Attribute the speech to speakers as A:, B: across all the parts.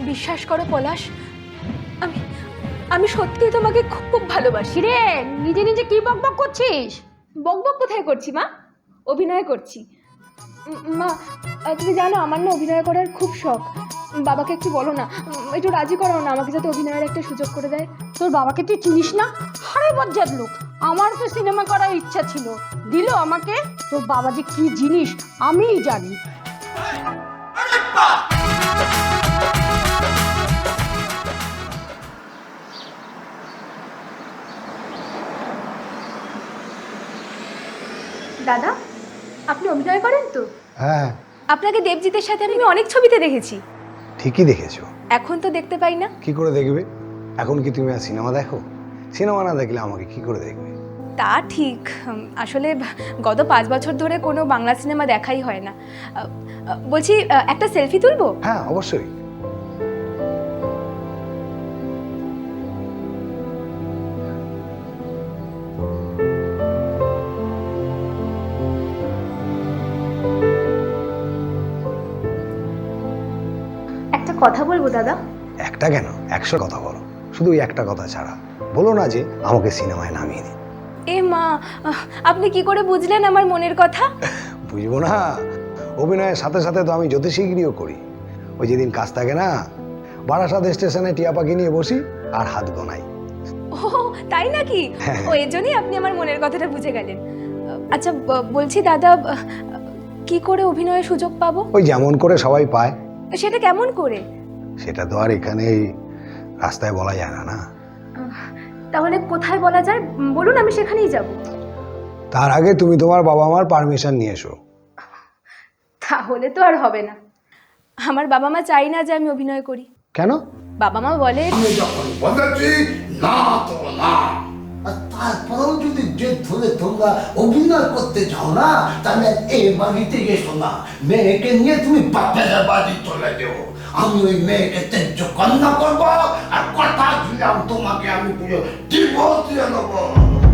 A: বিশ্বাস করো পলাশ, আমি আমি সত্যি তোমাকে খুব ভালোবাসি।
B: রে নিজে নিজে কি বকবক করছিস?
A: বকবক কোথায় করছি মা, অভিনয় করছি। মা তুমি জানো আমার না অভিনয় করার খুব শখ। বাবাকে একটু বলো না, একটু রাজি করাও না আমাকে, যাতে অভিনয়ের একটা সুযোগ করে দেয়।
B: তোর বাবাকে তুই চিনিস না? হারে বজ্জাত লোক। আমার তো সিনেমা করার ইচ্ছা ছিল, দিল আমাকে। তোর বাবা যে কি জিনিস আমিই জানি।
A: দাদা, আপনি অভিনয় করেন তো?
C: হ্যাঁ,
A: আপনাকে দেবজিতের সাথে আমি অনেক ছবিতে দেখেছি।
C: ঠিকই দেখেছো।
A: এখন তো দেখতে পাই না।
C: কি করে দেখবে? এখন কি তুমি আর সিনেমা দেখো? সিনেমা না দেখলে আমাকে কি করে দেখবে?
A: তা ঠিক, আসলে গত 5 বছর ধরে কোনো বাংলা সিনেমা দেখাই হয় না। বলছি, একটা সেলফি তুলবো?
C: হ্যাঁ, অবশ্যই।
A: একটা কথা বলবো দাদা?
C: একটা কেন, 100 কথা বলো, শুধু ওই একটা কথা ছাড়া বলো না যে আমাকে সিনেমায় নামিয়ে দিন।
A: এ মা, আপনি কি করে বুঝলেন আমার মনের কথা?
C: বুঝবো না? অভিনয়ের সাথে সাথে তো আমি জ্যোতিষীগিরিও করি। ওই যেদিন কাজ থাকে না, বারাসাত স্টেশনে টিয়া পাখি নিয়ে বসি আর হাত গোনাই।
A: ও তাই নাকি?
C: হ্যাঁ।
A: ও, এর জন্যই আপনি আমার মনের কথাটা বুঝে গেলেন। আচ্ছা, বলছি দাদা, কি করে অভিনয়ের সুযোগ পাবো?
C: ওই যেমন করে সবাই পায়।
A: সেটা কেমন করে?
C: সেটা তো আর এখানে এই রাস্তায় বলা যায় না। না,
A: তাহলে কোথায় বলা যায় বলুন, আমি সেখানেই যাব।
C: তার আগে তুমি তোমার বাবা মার পারমিশন নিয়ে এসো।
A: তাহলে তো আর হবে না। আমার বাবা মা চাই না যে আমি অভিনয় করি।
C: কেন?
A: বাবা মা বলে,
D: আমি যখন বলেছি না তো না, আর তারপরেও যদি জেদ ধরে তোমরা অভিনয় করতে চাও না, তাহলে এই বাড়িতে এসো না। মেয়েকে নিয়ে তুমি বাপের বাড়ি চলে যেও। আমি ওই মেয়েকে ত্যায্য কন্যা করবো, আর কথা দিলাম তোমাকে আমি পুরো ডিভোর্স দিয়ে নেবো।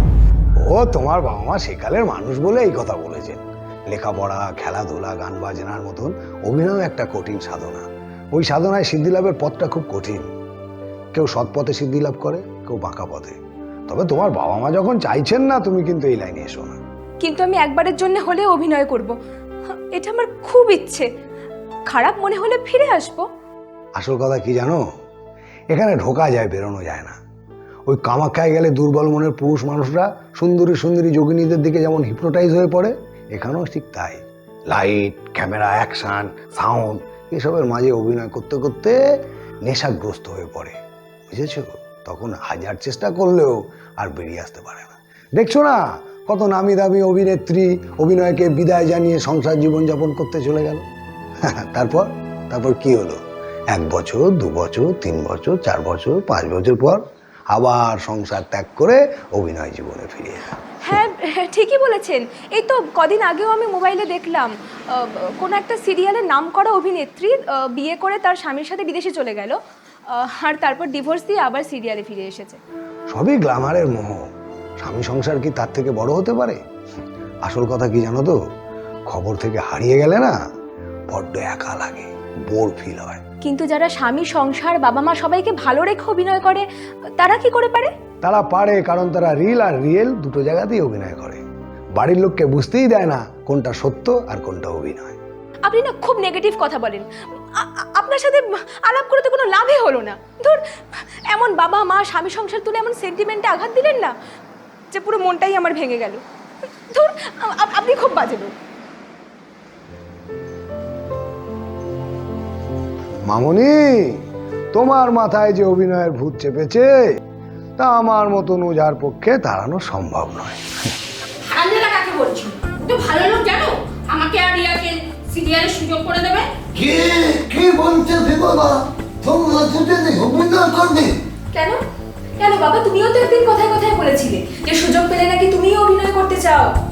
C: ও তোমার বাবা মা সেকালের মানুষ বলে এই কথা বলেছেন। লেখাপড়া, খেলাধুলা, গান বাজনার মতন অভিনয় একটা কঠিন সাধনা। ওই সাধনায় সিদ্ধি লাভের পথটা খুব কঠিন। কেউ সৎ পথে সিদ্ধি লাভ করে, কেউ বাঁকা পথে। তবে তোমার বাবা মা যখন চাইছেন না, তুমি কিন্তু এই লাইনে এসো না।
A: কিন্তু আমি একবারের জন্য হলে অভিনয় করব, এটা আমার খুব ইচ্ছে। খারাপ মনে হলে ফিরে আসবো।
C: আসল কথা কি জানো? এখানে ঢোকা যায়, বেরোনো যায় না। ওই কামাখ্যায় গেলে দুর্বল মনের পুরুষ মানুষরা সুন্দরী সুন্দরী যোগিনীদের দিকে যেমন হিপনোটাইজ হয়ে পড়ে, এখানেও ঠিক তাই। লাইট, ক্যামেরা, অ্যাকশন, সাউন্ড এসবের মাঝে অভিনয় করতে করতে নেশাগ্রস্ত হয়ে পড়ে, বুঝেছো? তখন হাজার চেষ্টা করলেও আর বেরিয়ে আসতে পারে না। দেখছো না কত নামি দামি অভিনেত্রী অভিনয়কে বিদায় জানিয়ে সংসার জীবনযাপন করতে চলে গেল। তারপর তারপর কি হলো? 1 বছর, 2 বছর, 3 বছর, 4 বছর, 5 বছর পর আবার সংসার ত্যাগ করে অভিনয় জীবনে ফিরে এলো।
A: হ্যাঁ, ঠিকই বলেছেন। এই তো কদিন আগেও আমি মোবাইলে দেখলাম, কোনো একটা সিরিয়ালের নাম করা অভিনেত্রী বিয়ে করে তার স্বামীর সাথে বিদেশে চলে গেল, আর তারপর ডিভোর্স দিয়ে আবার সিরিয়ালে ফিরে এসেছে।
C: সবই গ্ল্যামারের মোহ। স্বামী সংসার কি তার থেকে বড় হতে পারে? আসল কথা কি জানো তো? খবর থেকে হারিয়ে গেলে না বড্ড একা লাগে, বোর ফিল হয়।
A: কিন্তু যারা স্বামী, সংসার, বাবা মা সবাইকে ভালো রেখে অভিনয় করে, তারা কি করে পারে?
C: তারা পারে কারণ তারা রিল আর রিয়েল দুটো জায়গাতেই অভিনয় করে। বাড়ির লোককে বুঝতেই দেয় না কোনটা সত্য আর কোনটা অভিনয়।
A: আপনি না খুব নেগেটিভ কথা বলেন। আপনার সাথে আলাপ করে তো কোনো লাভই হলো না। ধর, এমন বাবা মা স্বামী সংসার তুলে এমন সেন্টিমেন্টে আঘাত দিলেন না যে পুরো মনটাই আমার ভেঙে গেল। ধর, আপনি খুব বাজে লোক।
C: মামনি, তোমার মাথায় যে অভিনয়ের ভূত চেপেছে তা আমার মতন ওঝার পক্ষে তাড়ানো সম্ভব নয়।
E: আঞ্জনা কাকে বলছো? তো ভালো লোক জানো, আমাকে আর রিয়াকে সিরিয়ালের সুযোগ করে দেবে।
D: কে কে বলছে বিপদা? তোমরা দুজনে অভিনয় করবে?
A: কেন কেন বাবা, তুমিও তো একদিন কথায় কথায় বলেছিলে যে সুযোগ পেলে নাকি তুমিও অভিনয় করতে চাও।